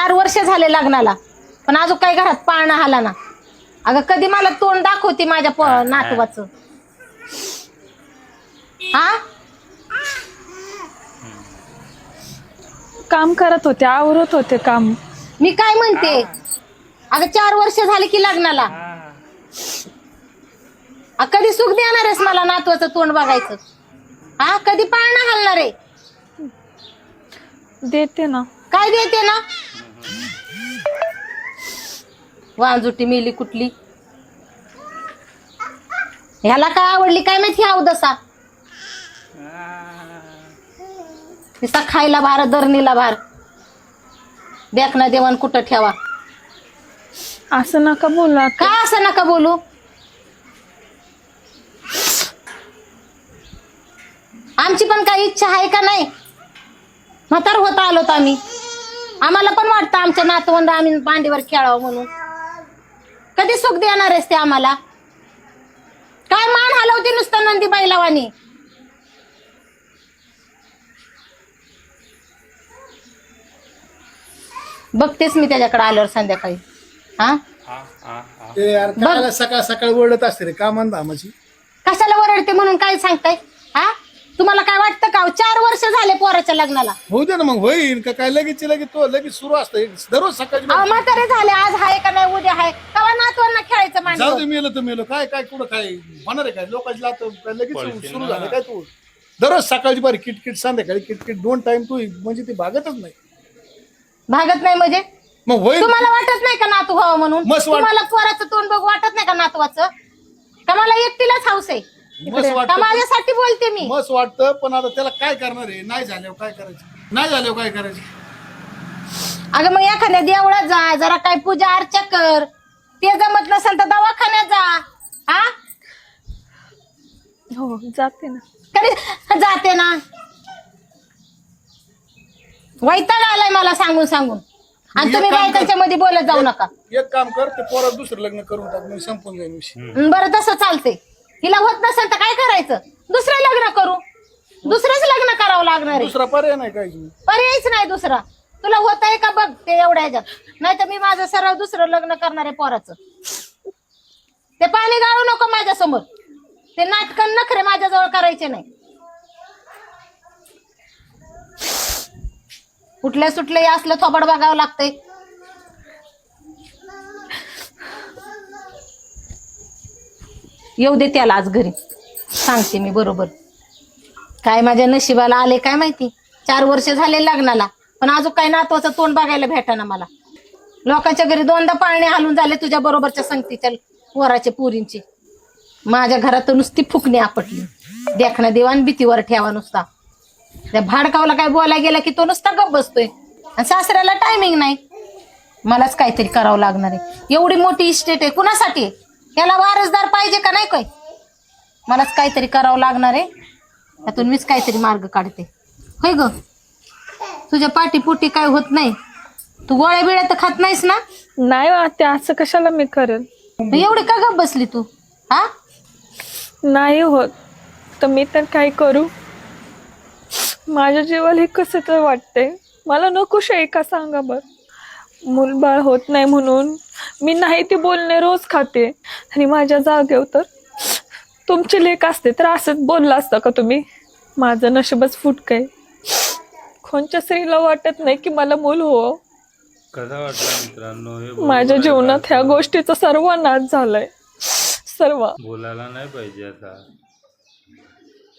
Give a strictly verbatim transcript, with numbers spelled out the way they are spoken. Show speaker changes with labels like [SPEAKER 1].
[SPEAKER 1] चार वर्ष झाले लग्नाला, पण अजून काही घरात पाळणा आला ना. अगं कधी मला तोंड दाखवते माझ्या नातवाचं? हा,
[SPEAKER 2] काम करत होते, आवरत होते काम.
[SPEAKER 1] मी काय म्हणते, अगं चार वर्ष झाले की लग्नाला, कधी सुख देणार आहेस मला नातवाचं तोंड बघायचं? हा, कधी पाळणा घालणार आहे?
[SPEAKER 2] देते ना.
[SPEAKER 1] काय देते ना? वांजुटी मिली कुठली, ह्याला काय आवडली काय माहिती अवदसा. तिचा खायला भार, दरणीला भार, देखना देवान कुठं ठेवा.
[SPEAKER 2] असं नका बोला.
[SPEAKER 1] का असं नका बोलू? आमची पण काही इच्छा आहे का नाही? म्हातार होत आलोत आम्ही, आम्हाला पण वाटतं आमच्या नातवंड आम्ही मांडीवर खेळावं म्हणून. कधी सुख देणार आहेस ते आम्हाला? काय मान हलवते नुसतं नंदी बैलावानी. बघतेस मी त्याच्याकडे आल्यावर संध्याकाळी. हा,
[SPEAKER 3] ते यार काला सकाळ सकाळ ओरडत असते रे कामान धामाची.
[SPEAKER 1] कशाला ओरडते म्हणून काय सांगताय? हा, तुम्हाला काय वाटतं का? चार वर्ष झाले पोराच्या लग्नाला.
[SPEAKER 3] होऊ दे ना मग, होईल का काय लगेच लगेच तो लगेच सुरू असतं दररोज सकाळची.
[SPEAKER 1] अहो म्हातारे झाले, आज हाय का नाही उद्या हाय, कवा नातवांना खेळायचं
[SPEAKER 3] जाऊ
[SPEAKER 1] मांडीवर.
[SPEAKER 3] दे, मेलं तर मेलं, काय काय कुठं काय होणार आहे काय? लोकांची लात काय लगेच सुरू झालं काय? तू दररोज सकाळची बारी किटकिट, संध्याकाळी किटकिट, दोन टाइम तू म्हणजे ती भागतच नाही.
[SPEAKER 1] भागत नाही म्हणजे?
[SPEAKER 3] मग होईल.
[SPEAKER 1] तुम्हाला वाटत नाही का नातू व्हावं म्हणून?
[SPEAKER 3] मस्त वाट-
[SPEAKER 1] तुम्हाला पोराचं तोंड बघ वाटत नाही का नातवाचं? का मला एकटीलाच हौस आहे?
[SPEAKER 3] मस्त
[SPEAKER 1] का
[SPEAKER 3] वाटतं.
[SPEAKER 1] माझ्यासाठी बोलते मी?
[SPEAKER 3] मस्त वाटतं, पण आता त्याला काय करणार आहे? नाही झाल्यावर काय करायचं? नाही झाल्यावर काय करायचं?
[SPEAKER 1] अगं मग एखाद्या देवळात जा, जरा काय पूजा अर्चा कर. ते जमत नसेल तर दवाखान्यात जा. हा,
[SPEAKER 2] हो जाते ना.
[SPEAKER 1] कधी जाते ना. वैताग आलाय मला सांगून सांगून, आणि तुम्ही बाय त्याच्यामध्ये बोलत जाऊ नका.
[SPEAKER 3] एक काम कर, ते पोरात दुसरं लग्न करून टाक, मग संपून जाईल विषय.
[SPEAKER 1] बरं तसं चालते. हिला होत नसेल तर काय करायचं? दुसरं लग्न करू, दुसरंच लग्न करावं लागणार आहे.
[SPEAKER 3] दुसरा पर्याय नाही काय.
[SPEAKER 1] पर्यायच नाही दुसरा. तुला होत आहे का बघ ते एवढ्या ह्याच्यात, नाही तर मी माझं सरळ दुसरं लग्न करणार आहे पोराचं. ते पाणी गाळू नको माझ्या समोर. ते नाटकं नखरे माझ्याजवळ करायचे नाही. कुठल्या सुटले असलं थोबड बघावं लागतंय. येऊ दे त्याला आज घरी, सांगते मी बरोबर. काय माझ्या नशिबाला आले काय माहिती. चार वर्ष झाले लग्नाला, पण अजून काय नातवाचं तोंड बघायला भेटाना मला. लोकांच्या घरी दोनदा पाळणे हालून झाले तुझ्या बरोबरच्या संगतीच्या पोराचे पुरींची. माझ्या घरात नुसती फुकणी आपटली. देखना देवान भीतीवर ठेवा नुसता. त्या भाडकावला काय बोलायला गेला की तो नुसता गप बसतोय, आणि सासऱ्याला टायमिंग नाही. मलाच काहीतरी करावं लागणार आहे. एवढी मोठी इस्टेट आहे, कुणासाठी? त्याला वारसदार पाहिजे का नाही? काय मलाच काहीतरी करावं लागणार आहे. त्यातून मीच काहीतरी मार्ग काढते. होय ग, तुझ्या पाठीपोटी काय होत नाही? तू गोळ्या बिळ्या तर खात नाहीस ना?
[SPEAKER 2] नाही ते असं कशाला मी करेल.
[SPEAKER 1] एवढी का गप बसली तू? हा,
[SPEAKER 2] नाही होत तर मी तर काय करू? माझ्या जीवाला हे कसं तर वाटतंय. मला नकोश आहे का सांगा बर. मूलबाळ होत नाही म्हणून मी नाही ते बोलणे रोज खाते, आणि माझ्या जागेवर तर तुमची लेक असते तर असंच बोलला असता का तुम्ही? माझं नशीबच फुटकंय. कोणत्या स्त्रीला वाटत नाही की मला मूल हो.
[SPEAKER 4] कसा वाटला मित्रांनो?
[SPEAKER 2] माझ्या जीवनात ह्या गोष्टीचा सर्व नाश झालाय. सर्व
[SPEAKER 4] बोलायला नाही पाहिजे आता.